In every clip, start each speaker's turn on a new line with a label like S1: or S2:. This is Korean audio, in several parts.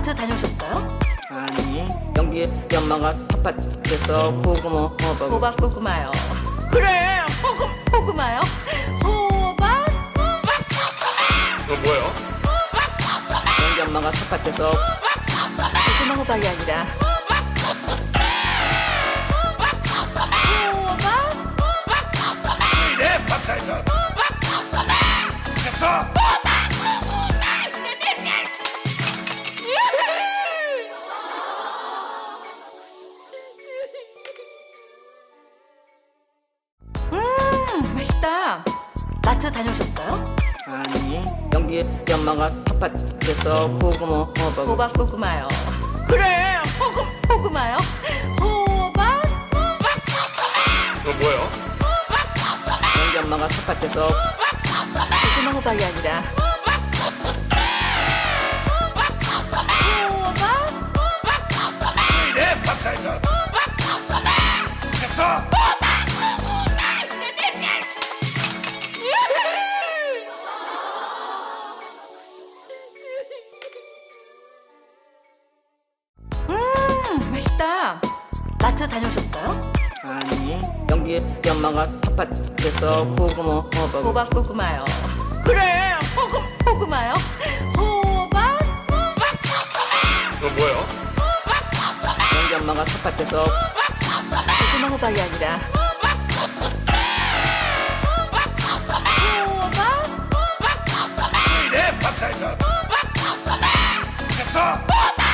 S1: 마트 다녀오셨어요?
S2: 아니, 연기 엄마가 텃밭에서 고구마
S1: 호박 고구마요. 그래, 호구마요. 호박?
S3: 너 뭐예요?
S2: 연기 엄마가 텃밭에서
S1: 고구마 호박이 아니라 호박?
S3: 내 밥상에서 됐어!
S1: 맛있다. 마트 다녀오셨어요?
S2: 아니, 연기 엄마가 텃밭에서 고구마
S1: 호박 고구마요. 그래, 호구마요. 호박?
S3: 너 뭐예요?
S2: 연기 엄마가 텃밭에서
S1: 고구마 호박이 아니라 호박?
S3: 내 밥상에서 됐어!
S1: 맛있다. 마트 다녀오셨어요?
S2: 아니, 연기 엄마가 텃밭에서 고구마
S1: 호박 고구마요. 그래, 호구마요. 호박?
S3: 너 뭐예요?
S2: 연기 엄마가 텃밭에서
S1: 고구마 호박이 아니라 호박?
S3: 내 밥상에서 됐어!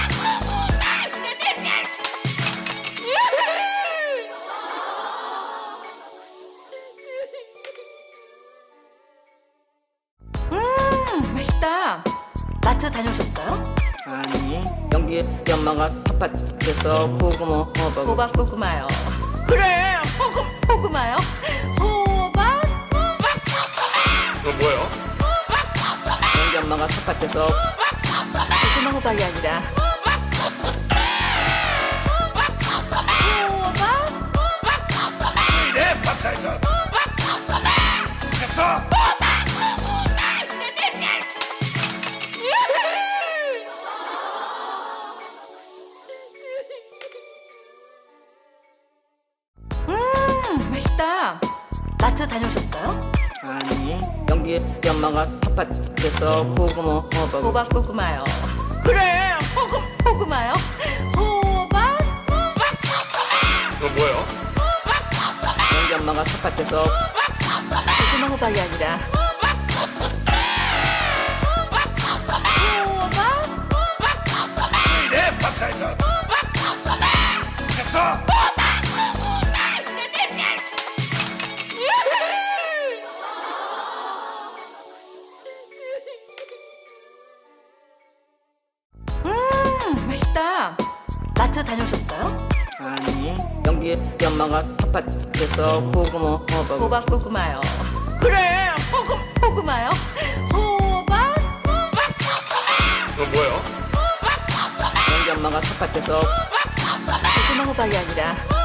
S1: 맛있다. 마트 다녀오셨어요?
S2: 아니, 연기 엄마가 텃밭에서 고구마
S1: 호박 고구마요. 그래, 호구마요. 호박?
S3: 너 뭐예요?
S2: 연기 엄마가 텃밭에서
S1: 고구마 호박이 아니라 호박?
S3: 내 밥상에서 됐어!
S1: 맛있다. 마트 다녀오셨어요?
S2: 아니, 연기 엄마가 텃밭에서 고구마
S1: 호박 고구마요. 그래, 호구마요. 호박?
S3: 너 뭐예요?
S2: 연기 엄마가 텃밭에서
S1: 고구마 호박이 아니라 호박?
S3: 내 밥상에서 됐어!
S1: 맛있다. 마트 다녀오셨어요?
S2: 아니, 연기 엄마가 텃밭에서 고구마
S1: 호박 고구마요. 그래, 호구마요. 호박?
S3: 너 뭐예요?
S2: 연기 엄마가 텃밭에서
S1: 고구마 호박이 아니라